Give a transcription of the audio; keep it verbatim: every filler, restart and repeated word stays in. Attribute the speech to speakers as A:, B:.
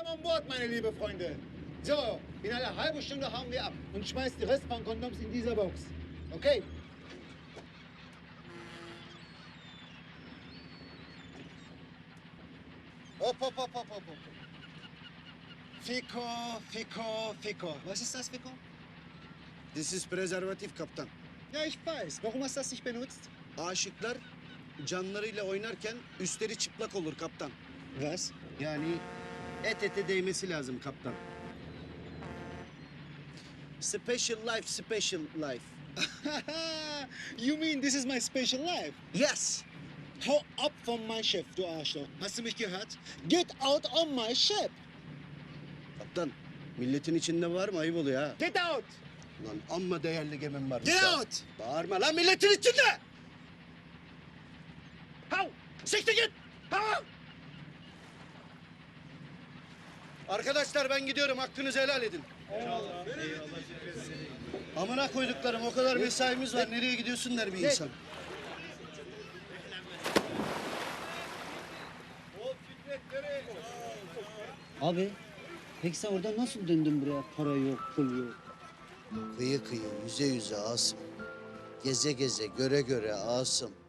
A: Willkommen an Bord, meine liebe Freunde. So, in einer halben Stunde hauen wir ab und schmeißt die Rest von Kondoms in dieser Box. Okay? Hopp, hopp, hopp, hopp, hopp, hopp. Fico, Fico, Fico. Was ist das, Fico?
B: This is prezervatif kaptan.
A: Ja, ich weiß. Warum hast du das nicht benutzt?
B: Aşıklar canlarıyla oynarken üstleri çıplak olur kaptan.
A: Was?
B: Yani et ete değmesi lazım kaptan. Special life, special life.
A: You mean this is my special life?
B: Yes.
A: Hau ab von mein Schiff, du Arschloch. Hast du mich gehört? Get out on my ship.
B: Kaptan, milletin içinde var mı? Ayıp oluyor ha.
A: Get out.
B: Lan amma değerli gemim var.
A: Get out.
B: Bağırma lan milletin içinde.
A: Hau. Siktir git. Hau.
B: Arkadaşlar ben gidiyorum. Hakkınızı helal edin. Eyvallah. Amına koyduklarım o kadar mesaimiz var. Nereye gidiyorsun der bir insan.
C: Abi, peki sen oradan nasıl döndün buraya? Para yok, pul yok.
B: Kıyı kıyı, yüze yüze Asım. Geze geze, göre göre Asım.